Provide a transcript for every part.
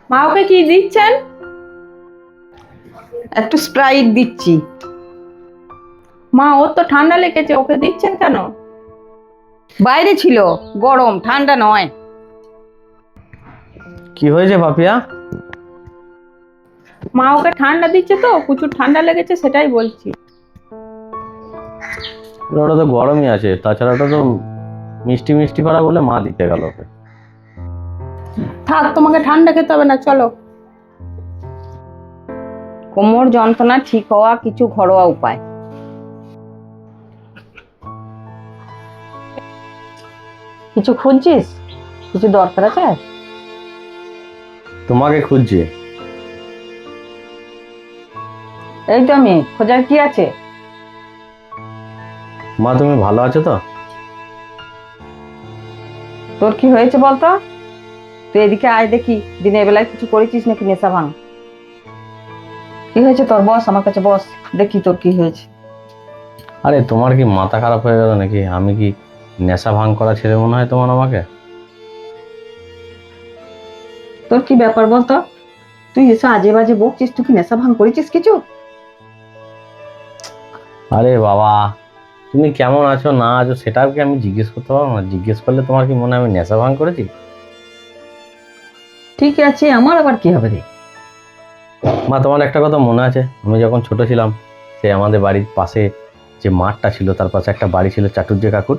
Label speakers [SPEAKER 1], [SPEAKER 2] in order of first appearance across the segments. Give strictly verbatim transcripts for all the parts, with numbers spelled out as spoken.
[SPEAKER 1] মা ওকে কি দিচ্ছেন?
[SPEAKER 2] একটু স্প্রাইট দিচ্ছি।
[SPEAKER 1] মা ওর তো ঠান্ডা লেগেছে, ওকে দিচ্ছেন কেন?
[SPEAKER 2] বাইরে ছিল, গরম, ঠান্ডা নয়।
[SPEAKER 3] কি হয়েছে পাপিয়া?
[SPEAKER 1] মা ওকে ঠান্ডা দিচ্ছে তো, প্রচুর ঠান্ডা লেগেছে সেটাই বলছি।
[SPEAKER 3] ওটা তো গরমই আছে, তাছাড়া ওটা তো মিষ্টি মিষ্টি করা বলে মা দিতে গেল ওকে।
[SPEAKER 1] থাক, তোমাকে ঠান্ডা খেতে হবে না, চলো।
[SPEAKER 2] কোমর যন্ত্রণা ঠিক হওয়া কিছু ঘরোয়া উপায়। কিছু খুঁজছিস? কিছু দরকার আছে?
[SPEAKER 3] তোমাকে খুঁজছি।
[SPEAKER 2] এই তো আমি, খোঁজার কি আছে?
[SPEAKER 3] মা তুমি ভালো আছো তো?
[SPEAKER 2] তোর কি হয়েছে বলতো? তুই এদিকে আয় দেখি, দিনের বেলায় কিছু করেছিস নাকি নেশা ভাঙ? কি হয়েছে তোর? বস আমার কাছে, বস, দেখি তোর কি হয়েছে।
[SPEAKER 3] আরে তোমার কি মাথা খারাপ হয়ে গেল নাকি? আমি কি নেশা ভাঙ করা ছেলে মনে হয় তোমার আমাকে?
[SPEAKER 2] তোর কি ব্যাপার বলতো? তুই এসে আজে বাজে বকছিস, তুই কি নেশা ভাঙ করেছিস কিছু?
[SPEAKER 3] আরে বাবা, তুমি কেমন আছো না আছো সেটাও কি আমি জিজ্ঞেস করতে পারবো না? জিজ্ঞেস করলে তোমার কি মনে হয় আমি নেশা ভাঙ করেছি?
[SPEAKER 2] ঠিক আছে, আমার আবার কি হবে রে?
[SPEAKER 3] মা তোমার একটা কথা মনে আছে, আমি যখন ছোট ছিলাম, সে আমাদের বাড়ির পাশে যে মাঠটা ছিল তার পাশে একটা বাড়ি ছিল চাটুর্যে কাকুর।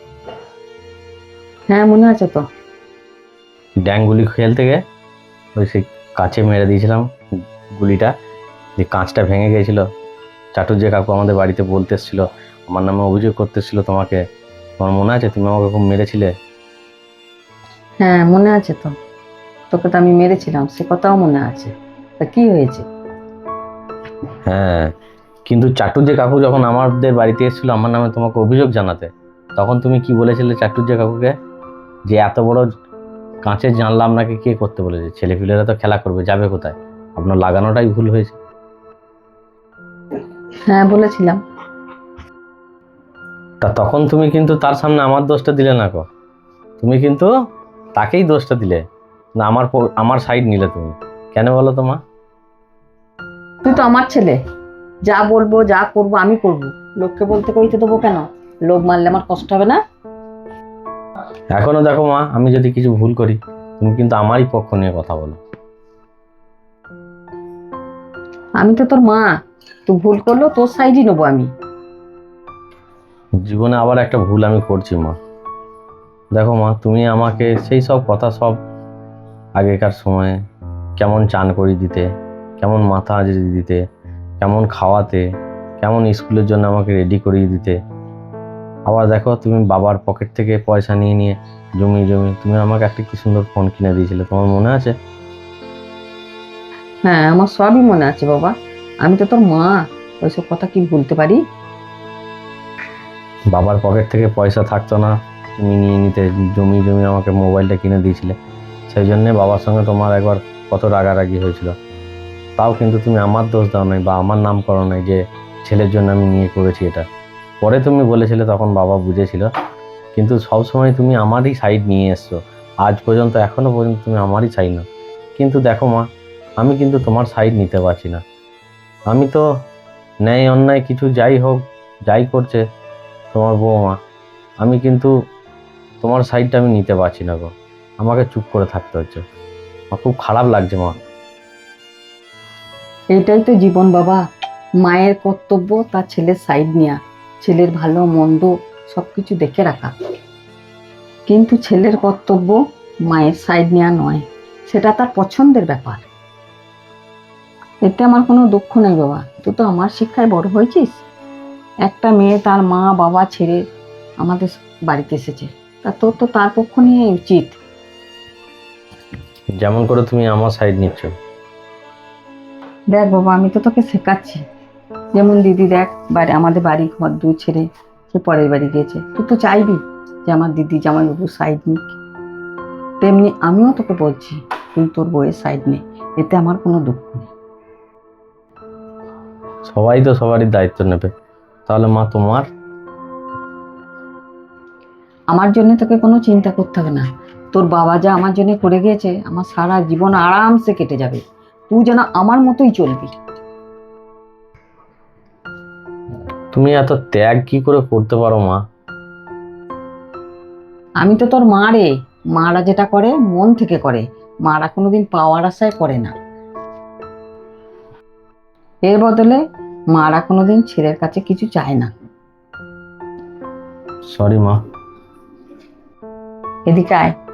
[SPEAKER 2] হ্যাঁ মনে আছে তো।
[SPEAKER 3] ড্যাঙ্গুলি খেলতে গিয়ে ওই সেই কাঁচে মেরে দিয়েছিলাম গুলিটা, যে কাঁচটা ভেঙে গিয়েছিল। চাটুর্যে কাকু আমাদের বাড়িতে বলতে এসেছিল, আমার নামে অভিযোগ করতে এসেছিল তোমাকে। তোমার মনে আছে তুমি আমাকে খুব মেরেছিলে?
[SPEAKER 2] হ্যাঁ মনে আছে তো, তোকে তো আমি মেরেছিলাম, সে কথাও মনে আছে। তা কি হয়েছে?
[SPEAKER 3] হ্যাঁ, কিন্তু চাটুর্যে কাকু যখন আমাদের বাড়িতে এসেছিল আমার নামে তোমাকে অভিযোগ জানাতে, তখন তুমি কি বলেছিলে চাটুর্যে কাকুকে? যে এত বড় কাঁচের জানলা আপনাকে কে করতে বলেছে? ছেলেপিলেরা তো খেলা করবে, যাবে কোথায়? আপনার লাগানোটাই ভুল হয়েছে।
[SPEAKER 2] হ্যাঁ বলেছিলাম।
[SPEAKER 3] তা তখন তুমি কিন্তু তার সামনে আমার দোষটা দিলে না গো, তুমি কিন্তু তাকেই দোষটা দিলে না, আমার প- আমার সাইড নিলে তুমি। কেন বলো তো মা?
[SPEAKER 2] তুই তো আমার ছেলে, যা বলবো যা করবো আমি করব, লোককে বলতে কইতে দেবো কেন? লোক মারলে আমার কষ্ট হবে না?
[SPEAKER 3] এখনো দেখো মা, আমি যদি কিছু ভুল করি তুমি কিন্তু আমারই পক্ষ নিয়ে কথা বলো।
[SPEAKER 2] আমি তো তোর মা, তুই ভুল করলো তোর সাইডই নেবো আমি।
[SPEAKER 3] জীবনে আবার একটা ভুল আমি করছি মা। দেখো মা, তুমি আমাকে সেই সব কথা সব আগেকার সময়ে কেমন চান করিয়ে দিতে, কেমন মাথা আজড়ে দিতে, কেমন খাওয়াতে, কেমন স্কুলের জন্য আমাকে রেডি করিয়ে দিতে। আবার দেখো তুমি বাবার পকেট থেকে পয়সা নিয়ে নিয়ে জমি জমি তুমি আমাকে একটা কি সুন্দর ফোন কিনে দিয়েছিলে, তোমার মনে আছে?
[SPEAKER 2] হ্যাঁ আমার সবই মনে আছে বাবা, আমি তো তোর মা, ওইসব কথা কি ভুলতে পারি?
[SPEAKER 3] বাবার পকেট থেকে পয়সা থাকতো না, তুমি নিয়ে নিতে জমি জমি আমাকে মোবাইলটা কিনে দিয়েছিলে। সেই জন্যে বাবার সঙ্গে তোমার একবার কত রাগারাগি হয়েছিল। তাও কিন্তু তুমি আমার দোষ দাও নাই বা আমার নাম করো নাই যে ছেলের জন্য আমি নিয়ে করেছি এটা। পরে তুমি বলেছিলে, তখন বাবা বুঝেছিল, কিন্তু সব সময় তুমি আমারই সাইড নিয়ে এসছো। আজ পর্যন্ত এখনো পর্যন্ত তুমি আমারই সাইড নাও। কিন্তু দেখো মা, আমি কিন্তু তোমার সাইড নিতে পারছি না। আমি তো ন্যায় অন্যায় কিছু যাই হোক, যাই করছে তোমার বৌমা, আমি কিন্তু তোমার সাইডটা আমি নিতে পারছি না গো। আমাকে চুপ করে থাকতে হচ্ছে। আমার খুব খারাপ লাগছে মা।
[SPEAKER 2] এটাই তো জীবন বাবা, মায়ের কর্তব্য তার ছেলের সাইড নেওয়া, ছেলের ভালো মন্দ সবকিছু দেখে রাখা। কিন্তু ছেলের কর্তব্য মায়ের সাইড নেওয়া নয়, সেটা তার পছন্দের ব্যাপার। এতে আমার কোনো দুঃখ নেই বাবা, তুই তো আমার শিক্ষায় বড় হয়েছিস। একটা মেয়ে তার মা বাবা ছেড়ে আমাদের বাড়িতে এসেছে, তা তোর তো তার পক্ষ নিয়ে উচিত।
[SPEAKER 3] যেমন করে তুমি আমার সাইড নিচ্ছ।
[SPEAKER 2] দেখ বাবা, আমি তো তোকে শেখাচ্ছি, যেমন দিদি দেখ বাড়ি, আমাদের বাড়ি ঘর দু ছেড়ে সে পরের বাড়ি গিয়েছে, তুই তো চাইবি যে আমার দিদি জামাইবাবু সাইড নিক। তেমনি আমিও তোকে বলছি, তুই তোর বউয়ের সাইড নে, এতে আমার কোনো দুঃখ নেই।
[SPEAKER 3] সবাই তো সবারই দায়িত্ব নেবে, তাহলে মা তোমার?
[SPEAKER 2] আমার জন্য তোকে কোনো চিন্তা করতে হবে না, তোর বাবা যা আমার জন্য করে গিয়েছে, আমার সারা জীবন আরামসে কেটে যাবে। তুই যেন আমার মতোই চলবি।
[SPEAKER 3] তুমি এত ত্যাগ কি করে করতে পারো মা?
[SPEAKER 2] আমি তো তোর মা রে। মারা যেটা করে মন থেকে করে, মারা কোনোদিন পাওয়ার আশায় করে না। এর বদলে মারা কোনোদিন ছেলের কাছে কিছু চায় না।
[SPEAKER 3] সরি মা।
[SPEAKER 2] এদিকে আয়।